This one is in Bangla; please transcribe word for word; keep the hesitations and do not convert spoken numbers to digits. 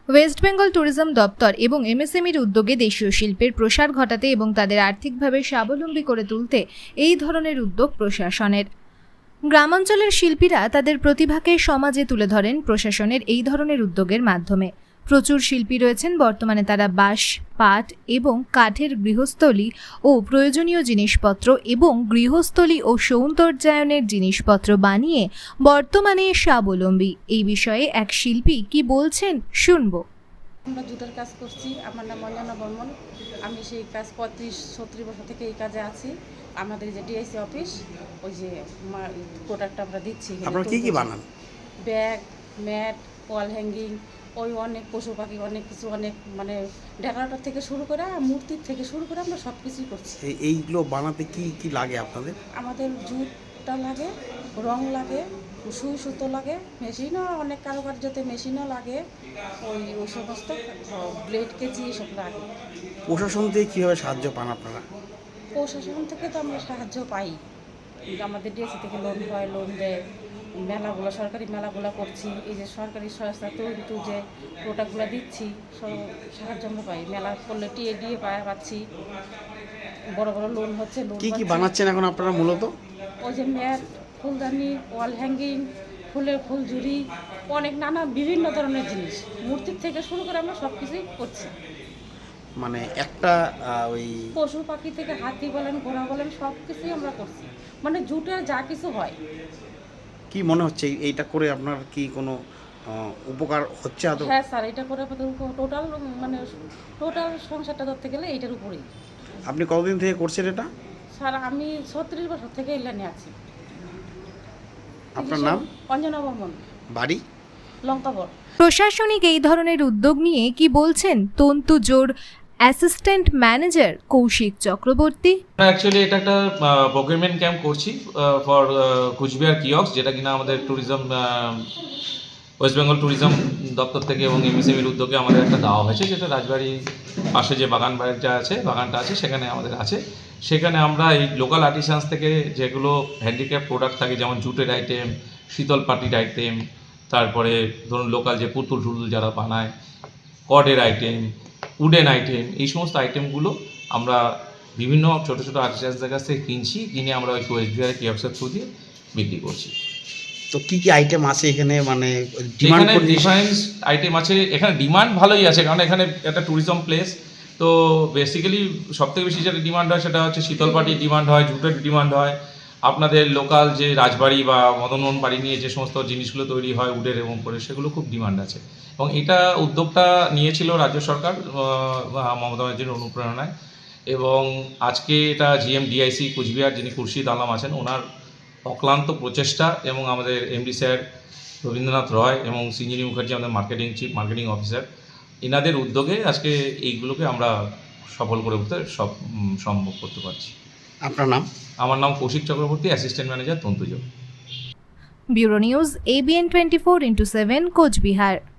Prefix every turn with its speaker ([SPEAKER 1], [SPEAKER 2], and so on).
[SPEAKER 1] ওয়েস্ট বেঙ্গল ট্যুরিজম দপ্তর এবং এমএসএমইর উদ্যোগে দেশীয় শিল্পের প্রসার ঘটাতে এবং তাদের আর্থিকভাবে স্বাবলম্বী করে তুলতে এই ধরনের উদ্যোগ প্রশাসনের। গ্রামাঞ্চলের শিল্পীরা তাদের প্রতিভাকে সমাজে তুলে ধরেন প্রশাসনের এই ধরনের উদ্যোগের মাধ্যমে। প্রচুর শিল্পী রয়েছেন, বর্তমানে তারা বাঁশ, পাট এবং কাঠের গৃহস্থলী ও প্রয়োজনীয় জিনিসপত্র এবং গৃহস্থলী ও সৌন্দর্যায়নের জিনিসপত্র বানিয়ে বর্তমানে স্বাবলম্বী। এই বিষয়ে এক শিল্পী কি বলছেন শুনবো।
[SPEAKER 2] আমরা জুটের কাজ করছি। আমার নাম অঞ্জনা বর্মন। আমি সেই কাজ পঁয়ত্রিশ ছত্রিশ বছর থেকে এই কাজে আছি। আমাদের যে ডিআইসি অফিস, ওই যে প্রোডাক্ট আমরা দিচ্ছি।
[SPEAKER 3] আপনারা কি কি বানান?
[SPEAKER 2] ব্যাগ, ম্যাট, ওয়াল হ্যাঙ্গিং, ওই অনেক পশু পাখি, অনেক কিছু, অনেক মানে ডেকোরেটর থেকে শুরু করে মূর্তির থেকে শুরু করে আমরা সব কিছুই করছি।
[SPEAKER 3] এইগুলো বানাতে কি কি লাগে আপনাদের?
[SPEAKER 2] আমাদের জুটটা লাগে, রং লাগে, সুই সুতো লাগে, মেশিনও অনেক কারুকার্যতে মেশিনও লাগে, ওই ওই সমস্ত ব্লেড কেজি এসব লাগে।
[SPEAKER 3] প্রশাসন থেকে কীভাবে সাহায্য পান আপনারা?
[SPEAKER 2] প্রশাসন থেকে তো আমরা সাহায্য পাই, আমাদের ডিএসি থেকে লোন হয়, লোন দেয়। মেলাগুলো, সরকারি মেলাগুলো করছি, এই যে সরকারি সংস্থা তৈরি যে প্রোডাক্টগুলো দিচ্ছি, সব সাহায্য আমরা পাই। মেলা করলে টিএ দিয়ে পাচ্ছি, বড় বড় লোন হচ্ছে। লোন
[SPEAKER 3] কি কি বানাচ্ছেন এখন আপনারা মূলত?
[SPEAKER 2] ওই যে ম্যাট, ফুলদানি, ওয়াল হ্যাঙ্গিং, ফুলের ফুলঝুরি, অনেক নানা বিভিন্ন ধরনের জিনিস, মূর্তির থেকে শুরু করে আমরা সব কিছুই করছি।
[SPEAKER 3] মানে একটা ওই
[SPEAKER 2] পশু পাখি থেকে হাতি বলেন, ঘোড়া বলেন, সব কিছুই আমরা করছি। মানে জুটের যা কিছু হয়।
[SPEAKER 3] কি মনে হচ্ছে এইটা করে আপনার কি কোনো উপকার হচ্ছে?
[SPEAKER 2] হ্যাঁ স্যার, এটা করে টোটাল মানে টোটাল সংসারটা ধরতে গেলে এইটার উপরেই।
[SPEAKER 3] আপনি কতদিন থেকে করছেন এটা?
[SPEAKER 2] স্যার আমি ছত্রিশ বছর থেকে এই লাইনে আছি।
[SPEAKER 3] আপনার নাম?
[SPEAKER 2] অঞ্জনা বর্মন।
[SPEAKER 3] বাড়ি?
[SPEAKER 2] লঙ্কাবর।
[SPEAKER 1] প্রশাসনিক এই ধরনের উদ্যোগ নিয়ে কি বলছেন Tantuja assistant manager Koushik Chakraborty.
[SPEAKER 4] Actually এটা একটা প্রকিউরমেন্ট ক্যাম্প করছি ফর কুচবিহার কিয়ক্স, যেটা কিনা আমাদের ট্যুরিজম ওয়েস্ট বেঙ্গল ট্যুরিজম দপ্তর থেকে এবং এমএসএমইর উদ্যোগে আমাদের একটা দেওয়া হয়েছে, যেটা রাজবাড়ির পাশে যে বাগান বাড়িটা আছে, বাগানটা আছে, সেখানে আমাদের আছে। সেখানে আমরা এই লোকাল আর্টিসানস থেকে যেগুলো হ্যান্ডিক্রাফট প্রোডাক্ট থাকে, যেমন জুটের আইটেম, শীতল পাটির আইটেম, তারপরে ধরুন লোকাল যে পুতুল টুতুল যারা বানায়, কডের আইটেম, উডেন আইটেম, এই সমস্ত আইটেমগুলো আমরা বিভিন্ন ছোটো ছোটো আর্টিসানসদের কাছ থেকে কিনছি, কিনে আমরা ওই কোচবিহারের কিয়ক্সের থ্রু দিয়ে বিক্রি করছি।
[SPEAKER 3] তো কী কী আইটেম আছে এখানে? মানে
[SPEAKER 4] এখানে ডিফারেন্স আইটেম আছে, এখানে ডিমান্ড ভালোই আছে, কারণ এখানে একটা ট্যুরিজম প্লেস। তো বেসিক্যালি সবথেকে বেশি যেটা ডিমান্ড হয় সেটা হচ্ছে শীতল পাটির ডিমান্ড হয়, জুটের ডিমান্ড হয়, আপনাদের লোকাল যে রাজবাড়ি বা মদনমোহন বাড়ি নিয়ে যে সমস্ত জিনিসগুলো তৈরি হয় উডের এবং করে, সেগুলো খুব ডিমান্ড আছে। এবং এটা উদ্যোগটা নিয়েছিল রাজ্য সরকার মমতা ব্যানার্জির অনুপ্রেরণায়, এবং আজকে এটা জিএম ডিআইসি কুচবিহার যিনি খুরশিদ আলম আছেন, ওনার অক্লান্ত প্রচেষ্টা এবং আমাদের এমডি স্যার রবীন্দ্রনাথ রয় এবং সিঞ্জিনী মুখার্জি আমাদের মার্কেটিং চিফ মার্কেটিং অফিসার, এনাদের উদ্যোগে আজকে এইগুলোকে আমরা সফল করে উঠতে সব সম্ভব করতে পারছি।
[SPEAKER 3] আপনার নাম?
[SPEAKER 4] আমার নাম Koushik Chakraborty, assistant manager Tantuja.
[SPEAKER 1] Bureau news, ABN twenty four into seven, Cooch Behar.